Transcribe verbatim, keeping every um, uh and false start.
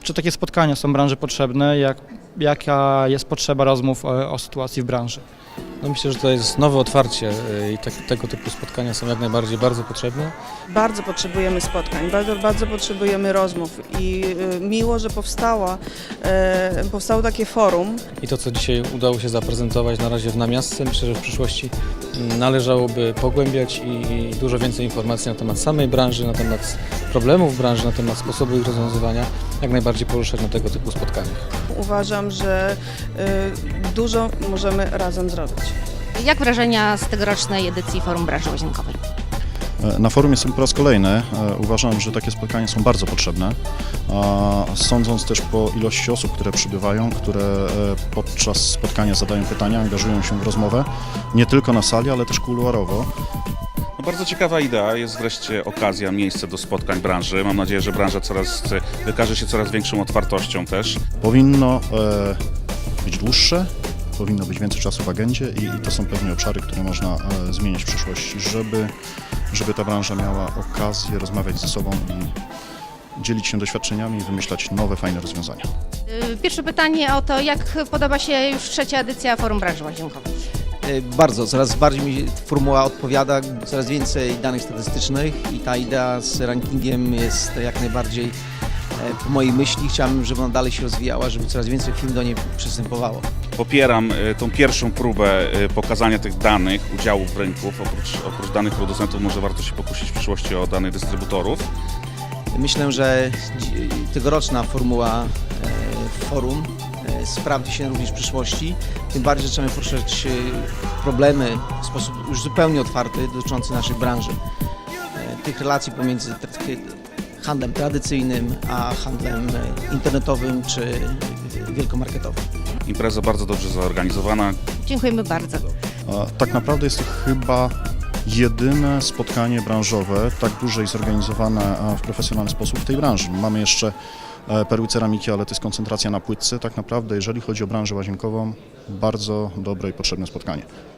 Czy takie spotkania są branży potrzebne? Jak, jaka jest potrzeba rozmów o, o sytuacji w branży? No myślę, że to jest nowe otwarcie i tak, tego typu spotkania są jak najbardziej bardzo potrzebne. Bardzo potrzebujemy spotkań, bardzo, bardzo potrzebujemy rozmów i y, miło, że powstała, e, powstało takie forum. I to, co dzisiaj udało się zaprezentować na razie w namiastce, myślę, że w przyszłości należałoby pogłębiać i dużo więcej informacji na temat samej branży, na temat problemów branży, na temat sposobu ich rozwiązywania, jak najbardziej poruszać na tego typu spotkaniach. Uważam, że y, dużo możemy razem zrobić. Jak wrażenia z tegorocznej edycji Forum Branży Łazienkowej? Na forum jestem po raz kolejny. Uważam, że takie spotkania są bardzo potrzebne. Sądząc też po ilości osób, które przybywają, które podczas spotkania zadają pytania, angażują się w rozmowę, nie tylko na sali, ale też kuluarowo. No bardzo ciekawa idea, jest wreszcie okazja, miejsce do spotkań branży. Mam nadzieję, że branża coraz wykaże się coraz większą otwartością też. Powinno być dłuższe, powinno być więcej czasu w agendzie i, i to są pewnie obszary, które można e, zmienić w przyszłości, żeby, żeby ta branża miała okazję rozmawiać ze sobą i dzielić się doświadczeniami i wymyślać nowe, fajne rozwiązania. Pierwsze pytanie o to, jak podoba się już trzecia edycja Forum Branży Łazienkowej? Bardzo, coraz bardziej mi formuła odpowiada, coraz więcej danych statystycznych i ta idea z rankingiem jest jak najbardziej po mojej myśli. Chciałbym, żeby ona dalej się rozwijała, żeby coraz więcej firm do niej przystępowało. Popieram tą pierwszą próbę pokazania tych danych, udziałów rynków. Oprócz, oprócz danych producentów może warto się pokusić w przyszłości o danych dystrybutorów. Myślę, że tegoroczna formuła forum sprawdzi się również w przyszłości. Tym bardziej zaczynamy poruszać problemy w sposób już zupełnie otwarty dotyczący naszej branży. Tych relacji pomiędzy handlem tradycyjnym, a handlem internetowym czy wielkomarketowym. Impreza bardzo dobrze zorganizowana. Dziękujemy bardzo. Tak naprawdę jest to chyba jedyne spotkanie branżowe, tak duże i zorganizowane w profesjonalny sposób w tej branży. Mamy jeszcze perły ceramiki, ale to jest koncentracja na płytce. Tak naprawdę, jeżeli chodzi o branżę łazienkową, bardzo dobre i potrzebne spotkanie.